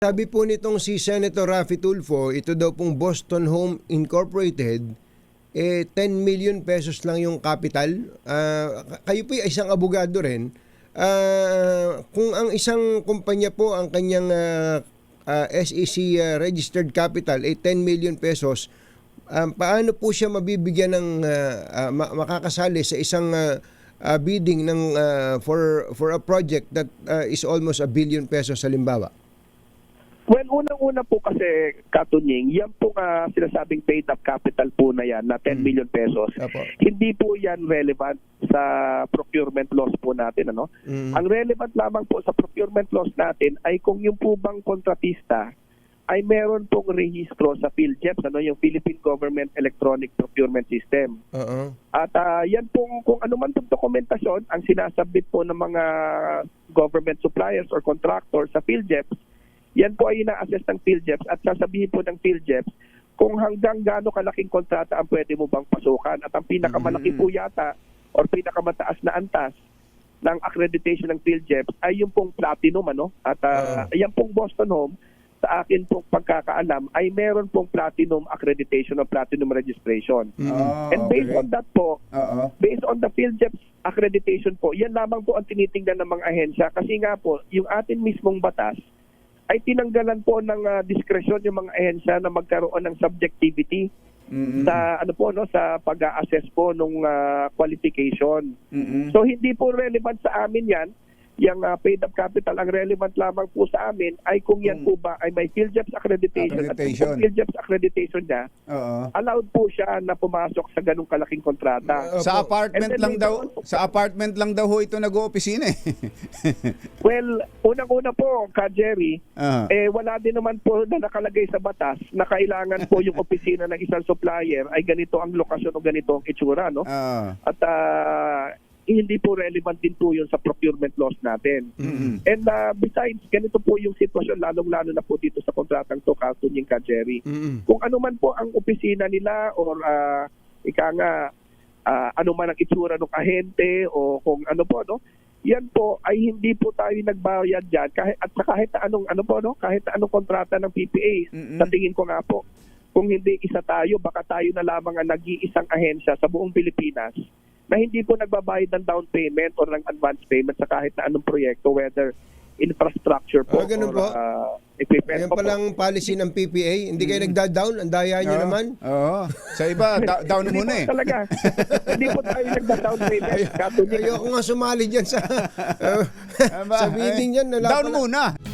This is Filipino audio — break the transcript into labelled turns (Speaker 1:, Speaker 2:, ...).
Speaker 1: Sabi po nitong si Senator Raffy Tulfo, ito daw pong Boston Home Incorporated, 10 million pesos lang yung capital. Kayo po ay isang abogado rin. Kung ang isang kumpanya po, ang kanyang SEC registered capital ay 10 million pesos, paano po siya mabibigyan ng makakasali sa isang bidding ng for a project that is almost 1 billion pesos halimbawa?
Speaker 2: Well, unang-una po kasi, Katunying, yan po sinasabing paid up capital po na yan, na 10 million pesos.
Speaker 1: Apo.
Speaker 2: Hindi po yan relevant sa procurement laws po natin. Ano? Ang relevant lamang po sa procurement laws natin ay kung yung po bang kontratista ay meron pong rehistro sa PhilGEPS, yung Philippine Government Electronic Procurement System. At yan pong, kung ano man pong dokumentasyon, ang sinasabit po ng mga government suppliers or contractors sa PhilGEPS, yan po ay ina-assess ng PhilGEPS at sasabihin po ng PhilGEPS kung hanggang gaano kalaking kontrata ang pwede mo bang pasukan. At ang pinakamalaki po yata or pinakamataas na antas ng accreditation ng PhilGEPS ay yung pong platinum. At yan pong Boston Home, sa akin pong pagkakaalam, ay meron pong platinum accreditation o platinum registration. And based on that po, based on the PhilGEPS accreditation po, yan lamang po ang tinitingnan ng mga ahensya. Kasi nga po, yung atin mismong batas, ay tinanggalan po ng diskresyon yung mga ahensya na magkaroon ng subjectivity sa sa pag-assess po ng qualification. So hindi po relevant sa amin yan, yung paid up capital. Ang relevant lamang po sa amin ay kung yan po ba ay may PhilGEPS accreditation. At kung PhilGEPS accreditation niya, allowed po siya na pumasok sa ganung kalaking kontrata.
Speaker 3: Sa apartment lang daw ho ito nag-oopisina eh.
Speaker 2: Well, unang-una po, Jerry, wala din naman po na nakalagay sa batas na kailangan po yung opisina ng isang supplier ay ganito ang lokasyon o ganito ang itsura, no? At hindi po relevant din po yun sa procurement laws natin. And besides, ganito po yung sitwasyon, lalong-lalo na po dito sa kontratang to, Katunying, Jerry. Kung ano man po ang opisina nila or ano man ang itsura ng ahente o kung ano po, yan po ay hindi po tayo nagbayad dyan kahit anong kahit anong kontrata ng PPA. Sa tingin ko nga po, kung hindi isa tayo, baka tayo na lamang ang nag-iisang ahensya sa buong Pilipinas na hindi po nagbabayad ng down payment or ng advance payment sa kahit na anong proyekto, whether infrastructure po or equipment.
Speaker 1: Ayan palang policy ng PPA. Hindi kayo nagda-down? Ang daya nyo naman.
Speaker 3: Sa iba, down muna eh.
Speaker 2: Talaga. Hindi po tayo nagda-down payment.
Speaker 1: Ayoko nga sumali dyan sa bidding yan.
Speaker 3: Down muna.